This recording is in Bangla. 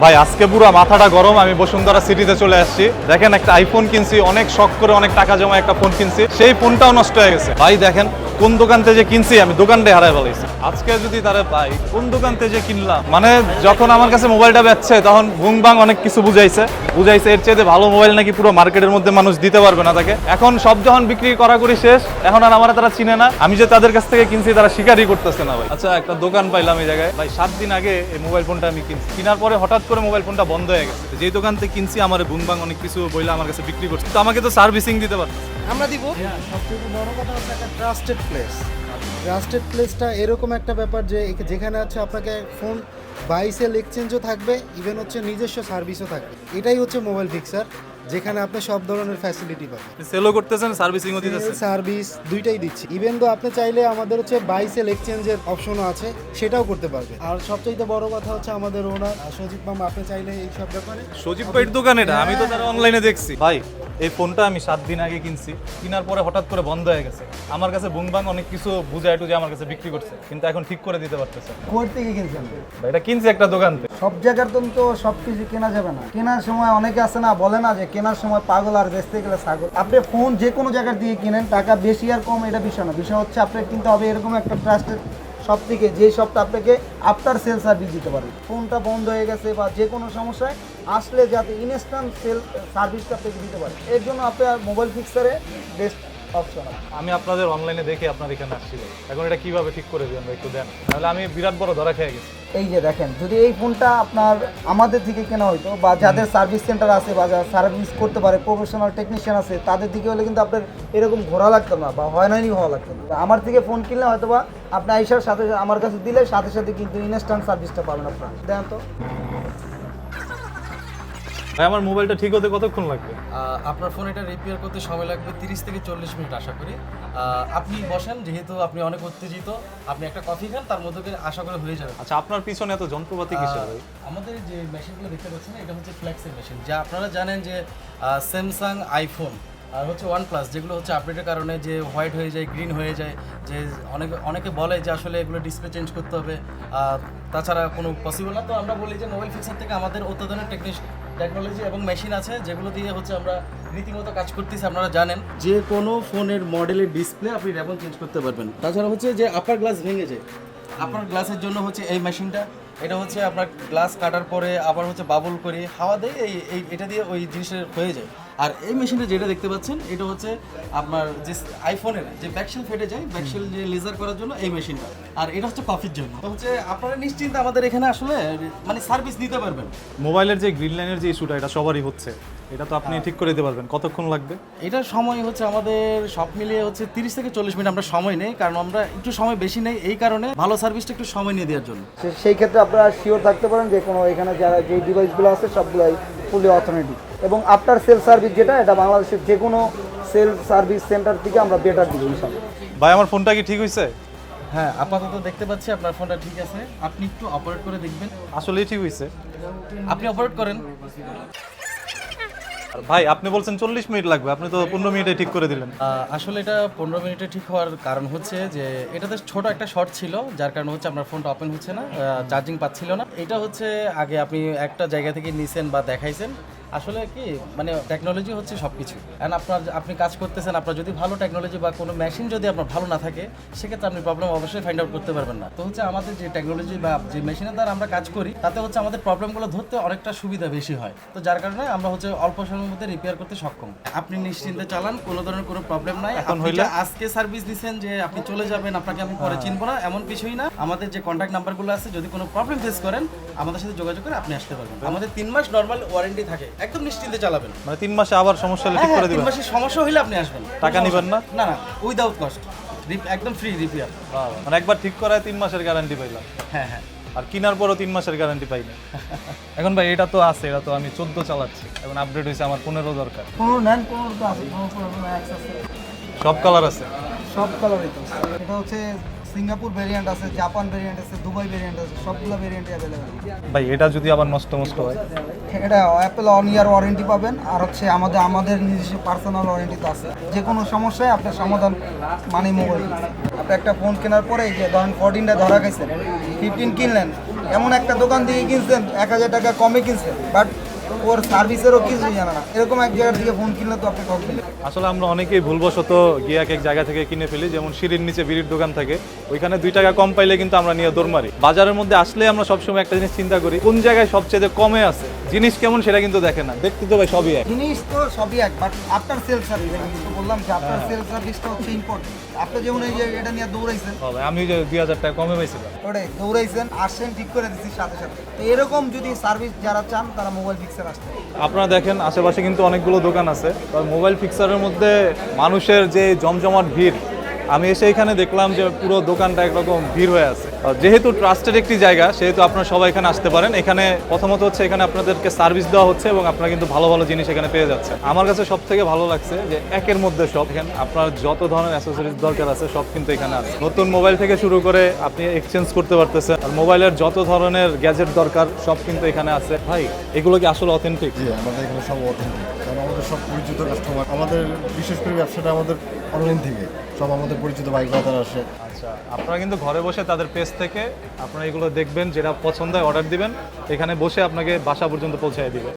ভাই আজকে পুরো মাথাটা গরম। আমি বসুন্ধরা সিটিতে চলে আসছি। দেখেন একটা আইফোন কিনছি, অনেক শখ করে অনেক টাকা জমা একটা ফোন কিনছি, সেই ফোনটাও নষ্ট হয়ে গেছে। ভাই দেখেন কোন দোকান থেকে যে কিনছি, আমি দোকানটাই হারাই ফেলাইছি। আজকে যদি তারা পাই কোন দোকান থেকে যে কিনলাম, মানে যখন আমার কাছে মোবাইলটা বেচছে তখন ভুং ভাং অনেক কিছু বুঝাইছে এর চেয়ে ভালো মোবাইল নাকি পুরো মার্কেটের মধ্যে মানুষ দিতে পারবে না তাকে। এখন সব যখন বিক্রি করা করি শেষ, এখন আর আমার তারা চিনে না। আমি যে তাদের কাছ থেকে কিনছি তারা স্বীকারই করতেছে না ভাই। আচ্ছা একটা দোকান পাইলাম এই জায়গায় ভাই, 7 দিন আগে এই মোবাইল ফোনটা আমি কিনছি। কেনার পরে হঠাৎ করে মোবাইল ফোনটা বন্ধ হয়ে গেছে। যেই দোকান থেকে কিনছি আমার ভুং ভাং অনেক কিছু বইলে আমার কাছে বিক্রি করছে, তো আমাকে তো সার্ভিসিং দিতে পারছে। আমরা দিব। সবথেকে বড় কথা হচ্ছে একটা ট্রাস্টেড প্লেস। ট্রাস্টেড প্লেসটা এরকম একটা ব্যাপার যে যেখানে হচ্ছে আপনাকে ফোন বাই সেল এক্সচেঞ্জও থাকবে, ইভেন হচ্ছে নিজস্ব সার্ভিসও থাকবে। এটাই হচ্ছে মোবাইল ফিক্সার, যেখানে আপনি সব ধরনের ফ্যাসিলিটি পাবেন। সেলও করতেছেন, সার্ভিসিংও দিতেছেন। সার্ভিস দুইটাই দিচ্ছি। ইভেন তো আপনি চাইলে আমাদের হচ্ছে বাই সেল এক্সচেঞ্জের অপশনও আছে, সেটাও করতে পারবে। আর সবচেয়ে বড় কথা হচ্ছে আমাদের ওনার সজীব মামা, আপনি চাইলে এই সব ব্যাপারে। সজীব ভাইয়ের দোকান এটা, আমি তো তার অনলাইনে দেখছি। ভাই এই ফোনটা আমি 7 দিন আগে কিনছি, কেনার পরে হঠাৎ করে বন্ধ হয়ে গেছে। আমার কাছে বুংবাং অনেক কিছু বুঝায় টুজে আমার কাছে বিক্রি করছে, কিন্তু এখন ঠিক করে দিতে পারতেছে। কোর থেকে কিনছেন? ভাই এটা কিনছি একটা দোকান থেকে। সব জায়গার তো সব কিছু কেনা যাবে না। কেনার সময় অনেকে আছে না, বলে না যে কেনার সময় পাগল আর বেচতে গেলে ছাগল। আপনি ফোন যে কোনো জায়গার দিয়ে কিনেন, টাকা বেশি আর কম এটা বিষয় না। বিষয় হচ্ছে আপনার কিনতে হবে এরকম একটা ট্রাস্টেড সব থেকে, যে সবটা আপনাকে আফটার সেল সার্ভিস দিতে পারে। ফোনটা বন্ধ হয়ে গেছে বা যে কোনো সমস্যায় আসলে যাতে ইনস্ট্যান্ট সেল সার্ভিসটা আপনাকে দিতে পারে, এর জন্য আপনার মোবাইল ফিক্সারে বেস্ট অপশন আছে। আমি আপনাদের অনলাইনে দেখে আপনার এখানে আসছি ভাই। এখন এটা কিভাবে ঠিক করে দিবেন ভাই, একটু দেন, তাহলে আমি বিরাট বড় ধরা খেয়ে গেছি। এই যে দেখেন, যদি এই ফোনটা আপনার আমাদের থেকে কেনা হইতো বা যাদের সার্ভিস সেন্টার আছে বা যারা সার্ভিস করতে পারে প্রফেশনাল টেকনিশিয়ান আছে, তাদের দিকে হলে কিন্তু আপনার এরকম ঘোরা লাগতো না বা হয়রানি হওয়া লাগতো না। আমার থেকে ফোন কিনলে হয়তো বা আপনি আইসার সাথে আমার কাছে দিলে সাথে সাথে কিন্তু ইনস্ট্যান্ট সার্ভিসটা পাবেন আপনার। দেন তো ভাই আমার মোবাইলটা ঠিক হতে কতক্ষণ লাগবে? আপনার ফোন এটা রিপেয়ার করতে সময় লাগবে 30 থেকে 40 মিনিট আশা করি। আপনি বসেন, যেহেতু আপনি অনেক উত্তেজিত, আপনি একটা কফি খান, তার মধ্যে আশা করে হয়ে যাবে। আচ্ছা আপনার পিছনে এত যন্ত্রপাতি কিসের ভাই? আমাদের যে মেশিনগুলো দেখতে পাচ্ছেন এটা হচ্ছে ফ্ল্যাক্সের মেশিন, যা আপনারা জানেন যে স্যামসাং, আইফোন আর হচ্ছে OnePlus যেগুলো হচ্ছে আপডেটের কারণে যে হোয়াইট হয়ে যায়, গ্রিন হয়ে যায়, যে অনেকে বলে যে আসলে এগুলো ডিসপ্লে চেঞ্জ করতে হবে, তাছাড়া কোনো পসিবল না। তো আমরা বলি যে মোবাইল ফিক্সার থেকে আমাদের অত্যাধুনিক টেকনোলজি এবং মেশিন আছে, যেগুলো দিয়ে হচ্ছে আমরা রীতিমতো কাজ করতেছি। আপনারা জানেন যে কোনো ফোনের মডেলের ডিসপ্লে আপনি এখন চেঞ্জ করতে পারবেন। তাছাড়া হচ্ছে যে আপার গ্লাস ভেঙে যায়, আপার গ্লাসের জন্য হচ্ছে এই মেশিনটা। এটা হচ্ছে আপনার গ্লাস কাটার পরে আবার হচ্ছে বাবল করে হাওয়া দেয়, এটা দিয়ে ওই জিনিসের হয়ে যায়। আর এই মেশিনটা যেটা দেখতে পাচ্ছেন, এটা হচ্ছে আপনার যে আইফোনের যে ব্যাকশেল ফেটে যায়, ব্যাকশেল যে লেজার করার জন্য এই মেশিনটা। আর এটা হচ্ছে কফির জন্য। তো হচ্ছে আপনারা নিশ্চিন্তে আমাদের এখানে আসলে মানে সার্ভিস নিতে পারবেন। মোবাইলের যে গ্রিন লাইনের যে ইস্যুটা, এটা সবারই হচ্ছে, এটা তো আপনি ঠিক করে দিতে পারবেন। কতক্ষণ লাগবে? এটার সময় হচ্ছে আমাদের সব মিলিয়ে হচ্ছে 30 থেকে 40 মিনিট আমরা সময় নেই, কারণ আমরা একটু সময় বেশি নেই এই কারণে, ভালো সার্ভিসটা একটু সময় নিয়ে দেওয়ার জন্য। সেই ক্ষেত্রে আপনারা শিওর থাকতে পারেন যে কোনো এখানে যারা যে ডিভাইসগুলো আছে সবগুলাই ফুলি অথেন্টিক। এবং আফটার সেল সার্ভিস যেটা, এটা বাংলাদেশের যে কোনো সেল সার্ভিস সেন্টার থেকে আমরা বেটার দিব ইনশাআল্লাহ। ভাই আমার ফোনটা কি ঠিক হয়েছে? হ্যাঁ, আপাতত দেখতে পাচ্ছি আপনার ফোনটা ঠিক আছে। আপনি একটু অপারেট করে দেখবেন। আসলেই ঠিক হয়েছে? আপনি অপারেট করেন। ভাই আপনি বলছেন 40 মিনিট লাগবে, আপনি তো 15 মিনিটে ঠিক করে দিলেন। আসলে এটা 15 মিনিটে ঠিক হওয়ার কারণ হচ্ছে যে এটাতে ছোট একটা শর্ট ছিল, যার কারণে হচ্ছে আপনার ফোনটা ওপেন হচ্ছে না, চার্জিং পাচ্ছিল না। এটা হচ্ছে আগে আপনি একটা জায়গা থেকে নিছেন বা দেখাইছেন। আসলে কি মানে টেকনোলজি হচ্ছে সব কিছু। অ্যান্ড আপনি কাজ করতেছেন, আপনার যদি ভালো টেকনোলজি বা কোনো মেশিন যদি আপনার ভালো না থাকে, সেক্ষেত্রে আপনি প্রবলেম অবশ্যই ফাইন্ড আউট করতে পারবেন না। তো হচ্ছে আমাদের যে টেকনোলজি বা যে মেশিনের দ্বারা আমরা কাজ করি, তাতে হচ্ছে আমাদের প্রবলেমগুলো ধরতে অনেকটা সুবিধা বেশি হয়। তো যার কারণে আমরা হচ্ছে অল্প সময়ের মধ্যে রিপেয়ার করতে সক্ষম। আপনি নিশ্চিন্তে চালান, কোনো ধরনের কোনো প্রবলেম নাই। এখন আপনি হইলে যে আজকে সার্ভিস দিচ্ছেন যে আপনি চলে যাবেন, আপনাকে আমি পরে চিনবো না, এমন কিছুই না। আমাদের যে কন্ট্যাক্ট নাম্বারগুলো আছে, যদি কোনো প্রবলেম ফেস করেন আমাদের সাথে যোগাযোগ করে আপনি আসতে পারবেন। আমাদের 3 মাস নর্মাল ওয়ারেন্টি থাকে, একদম নিশ্চিন্তে চালাবেন। মানে 3 মাসে আবার সমস্যা হলে ঠিক করে 3 দিবেন? মাসের সমস্যা হলে আপনি আসবেন। টাকা নিবেন না? না না, উইদাউট কস্ট, একদম ফ্রি রিপেয়ার। মানে একবার ঠিক করায় 3 মাসের গ্যারান্টি পাইলাম। হ্যাঁ হ্যাঁ। আর কেনার পরও 3 মাসের গ্যারান্টি পাই না। এখন ভাই এটা তো আছে, এটা তো আমি 14 চালাচ্ছি, এখন আপডেট হয়েছে, আমার 15 দরকার। 15 নেন, 15 তো আছে, 15 আছে, সব কালার আছে? সব কালারই তো। এটা হচ্ছে সিঙ্গাপুর ভেরিয়েন্ট আছে, জাপান ভেরিয়েন্ট আছে, দুবাই ভেরিয়েন্ট আছে, সবগুলো ভেরিয়েন্টই অ্যাভেলেবেল। ভাই এটা যদি আবার নষ্ট হয়? এটা অ্যাপেল অন ইয়ার ওয়ারেন্টি পাবেন, আর হচ্ছে আমাদের নিজস্ব পার্সোনাল ওয়ারেন্টি তো আছে। যে কোনো সমস্যায় আপনার সমাধান মানে মোবাইল। আপনি একটা ফোন কেনার পরে এই যে ধরেন 14টা ধরা গেছে, 15 কিনলেন, এমন একটা দোকান থেকে কিনছেন 1000 টাকা কমে কিনছেন, বাট ওর সার্ভিসেরও কিছুই জানে না, এরকম এক জায়গা থেকে ফোন কিনলে তো আপনি ঠকবেন। আসলে আমরা অনেকেই ভুলবশত গিয়ে এক এক জায়গা থেকে কিনে ফেলি, যেমন সিঁড়ির নিচে বিড়ির দোকান থাকে, ওইখানে 2 টাকা কম পাইলে কিন্তু আমরা নিয়ে দৌড় মারি। বাজারের মধ্যে আসলে আমরা সবসময় একটা জিনিস চিন্তা করি, কোন জায়গায় সবচেয়ে কমে আছে, জিনিস কেমন সেটা কিন্তু দেখে না, দেখতে তো ভাই সবই এক। জিনিস তো সবই এক, বাট আপনার সেলফ সার্ভিস, আমি তো বললাম যে আপনার সেলফ সার্ভিসটা হচ্ছে ইম্পর্টেন্ট। আপনি যেমন এই যে এটা নিয়ে দৌড়াইছেন, ভাই আমি যে 2000 টাকা কমে পাইছিলাম, ওটাই দৌড়াইছেন, আসছেন, ঠিক করে দিচ্ছি সাথে সাথে। তো এরকম যদি সার্ভিস যারা চান তারা মোবাইল ফিক্সার আসতে পারে। আপনারা দেখেন আশেপাশে কিন্তু অনেকগুলো দোকান আছে, তবে মোবাইল ফিক্সারের মধ্যে মানুষের যে জমজমাট ভিড়, আমি এসে এখানে দেখলাম যে পুরো দোকানটা একরকম ভিড় হয়ে আছে। যেহেতু ট্রাস্টেড একটি জায়গা, সেহেতু আপনারা সবাই এখানে আসতে পারেন। এখানে প্রথমত হচ্ছে এখানে আপনাদেরকে সার্ভিস দেওয়া হচ্ছে এবং আপনারা কিন্তু ভালো ভালো জিনিস এখানে পেয়ে যাচ্ছে। আমার কাছে সব থেকে ভালো লাগছে যে একের মধ্যে সব, এখানে আপনার যত ধরনের অ্যাসেসরিজ দরকার আছে সব কিন্তু এখানে আছে। নতুন মোবাইল থেকে শুরু করে আপনি এক্সচেঞ্জ করতে পারতেছেন, আর মোবাইলের যত ধরনের গ্যাজেট দরকার সব কিন্তু এখানে আছে। ভাই এগুলো কি আসলে অথেন্টিক? জি, আমাদের এখানে সব অথেন্টিক, কারণ আমাদের সব পরিচিত কাস্টমার। আমাদের বিশেষ করে ব্যবসাটা আমাদের অনলাইন থেকে, সব আমাদের পরিচিত বাইক বাজার আসে। আচ্ছা, আপনারা কিন্তু ঘরে বসে তাদের পেজ থেকে আপনারা এগুলো দেখবেন, যেটা পছন্দ হয় অর্ডার দিবেন, এখানে বসে আপনাকে বাসা পর্যন্ত পৌঁছে দিবে।